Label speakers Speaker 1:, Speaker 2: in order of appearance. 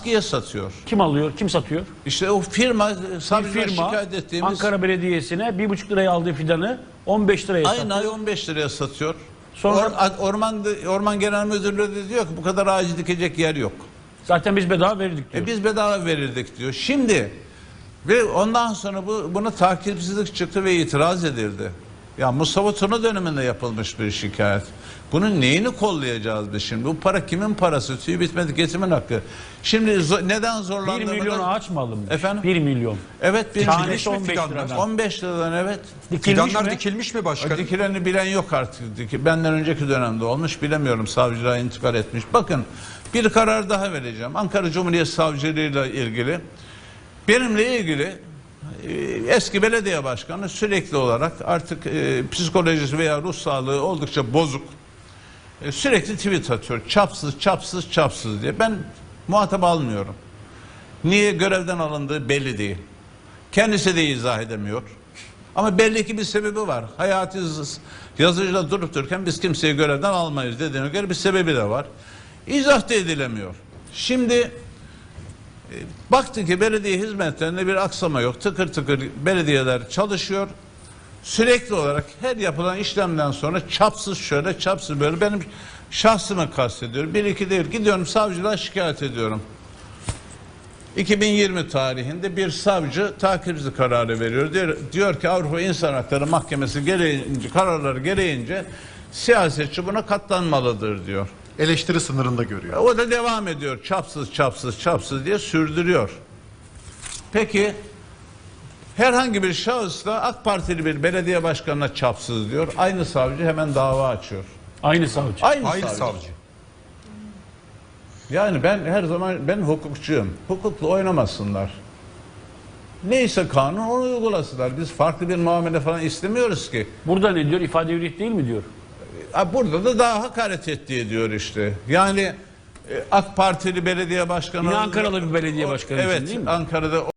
Speaker 1: askıya satıyor.
Speaker 2: Kim alıyor? Kim satıyor?
Speaker 1: İşte o firma, savcılar
Speaker 2: Firma
Speaker 1: şikayet ettiğimiz
Speaker 2: Ankara Belediyesi'ne 1,5 liraya aldığı fidanı 15 liraya satıyor.
Speaker 1: aynı ay 15 liraya satıyor.
Speaker 2: Sonra
Speaker 1: Orman Genel Müdürlüğü de diyor ki bu kadar ağacı dikecek yer yok.
Speaker 2: zaten biz bedava verirdik diyor.
Speaker 1: Biz bedava verirdik diyor. Şimdi ve ondan sonra buna takipsizlik çıktı ve itiraz edildi. Ya Mustafa Tuna döneminde yapılmış bir şikayet. Bunun neyini kollayacağız biz şimdi? Bu para kimin parası? Tüyü bitmedi ketimin hakkı. Şimdi neden
Speaker 2: 1
Speaker 1: zorlandığımı
Speaker 2: milyon ağaç mı alınmış?
Speaker 1: Efendim?
Speaker 2: 1 milyon.
Speaker 1: Evet, bir
Speaker 2: Tanesi
Speaker 1: milyon.
Speaker 2: 15 liradan.
Speaker 1: 15 liradan evet.
Speaker 2: Dikilmiş
Speaker 3: Fidanlar
Speaker 2: mi?
Speaker 3: dikilmiş mi başkanım?
Speaker 1: Dikileni bilen yok artık. Benden önceki dönemde olmuş bilemiyorum. Savcılığa intikal etmiş. Bakın bir karar daha vereceğim. Ankara Cumhuriyet Savcılığı'yla ilgili. Benimle ilgili eski belediye başkanı sürekli olarak artık psikolojisi veya ruh sağlığı oldukça bozuk. Sürekli tweet atıyor. Çapsız, çapsız, çapsız diye. Ben muhatap almıyorum. Niye görevden alındığı belli değil. Kendisi de izah edemiyor. Ama belli ki bir sebebi var. Hayati yazıcıda durup dururken biz kimseyi görevden almayız dediğine göre bir sebebi de var. İzah da edilemiyor. Şimdi baktı ki belediye hizmetlerinde bir aksama yok. Tıkır tıkır belediyeler çalışıyor. Sürekli olarak her yapılan işlemden sonra çapsız şöyle, çapsız böyle. Benim şahsımı kastediyorum. Bir iki değil. Gidiyorum savcılığa şikayet ediyorum. 2020 tarihinde bir savcı takipsizlik kararı veriyor. Diyor ki Avrupa İnsan Hakları Mahkemesi gereğince, kararları gereğince siyasetçi buna katlanmalıdır diyor.
Speaker 3: Eleştiri sınırında görüyor.
Speaker 1: O da devam ediyor. Çapsız, çapsız, çapsız diye sürdürüyor. Peki herhangi bir şahıs da AK Partili bir belediye başkanına çapsız diyor. Aynı savcı hemen dava açıyor.
Speaker 2: Aynı savcı.
Speaker 1: Aynı
Speaker 3: Hayır
Speaker 1: savcı.
Speaker 3: savcı.
Speaker 1: Yani ben her zaman hukukçuyum. Hukukla oynamasınlar. Neyse kanun onu uygulasınlar. Biz farklı bir muamele falan istemiyoruz ki.
Speaker 2: Burada ne diyor? İfade hürriyeti değil mi diyor?
Speaker 1: Burada da daha hakaret ettiği diyor işte. Yani AK Partili belediye başkanı...
Speaker 2: Yine Ankaralı bir belediye başkanı için
Speaker 1: evet,
Speaker 2: değil mi?
Speaker 1: Ankara'da